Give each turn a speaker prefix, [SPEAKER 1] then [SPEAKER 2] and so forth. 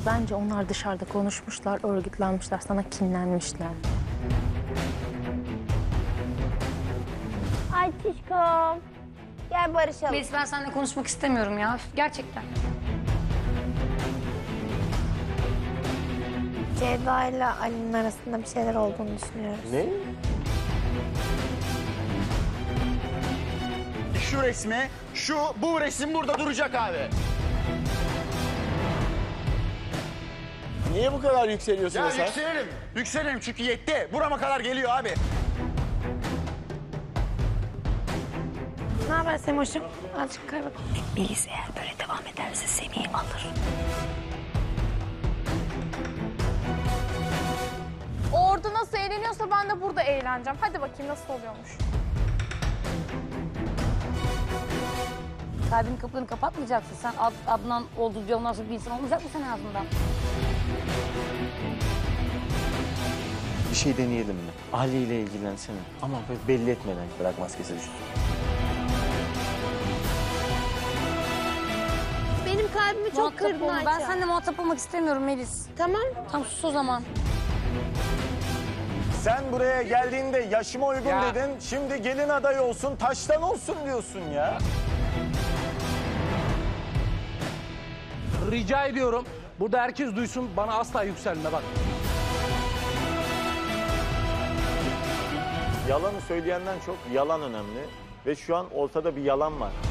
[SPEAKER 1] Bence onlar dışarıda konuşmuşlar, örgütlenmişler, sana kinlenmişler.
[SPEAKER 2] Ay Tişkom. Gel barışalım.
[SPEAKER 3] Melis, ben seninle konuşmak istemiyorum ya. Gerçekten.
[SPEAKER 2] Ceyda ile Ali'nin arasında bir şeyler olduğunu düşünüyoruz.
[SPEAKER 4] Ne?
[SPEAKER 5] Şu resmi, bu resim burada duracak abi.
[SPEAKER 4] Niye bu kadar yükseliyorsun
[SPEAKER 5] Ya
[SPEAKER 4] sen?
[SPEAKER 5] yükselelim çünkü yetti. Burama kadar geliyor abi.
[SPEAKER 2] Ne haber Semoş'um? Azıcık kay bak.
[SPEAKER 3] Melis eğer böyle devam ederse Semih'i alır.
[SPEAKER 6] Orada nasıl eğleniyorsa ben de burada eğleneceğim. Hadi bakayım nasıl oluyormuş.
[SPEAKER 3] Kalbinin kapılarını kapatmayacaksın. Sen Adnan oldu diye ondan sonra bir insan olmayacak mı senin ağzından?
[SPEAKER 4] Bir şey deneyelim mi? Ali ile ilgilensene. Ama böyle belli etmeden bırak maskesi düşsün.
[SPEAKER 2] Benim kalbimi çok
[SPEAKER 3] Muhatap
[SPEAKER 2] kırdın
[SPEAKER 3] olma.
[SPEAKER 2] Ayça.
[SPEAKER 3] Ben seninle muhatap olmak istemiyorum Melis.
[SPEAKER 2] Tamam.
[SPEAKER 3] Tamam sus o zaman.
[SPEAKER 4] Sen buraya geldiğinde yaşıma uygun
[SPEAKER 7] Ya.
[SPEAKER 4] dedin. Şimdi gelin adayı olsun, taştan olsun diyorsun ya.
[SPEAKER 7] Rica ediyorum. Burada herkes duysun. Bana asla yükselme bak.
[SPEAKER 4] Yalanı söyleyenden çok yalan önemli. Ve şu an ortada bir yalan var.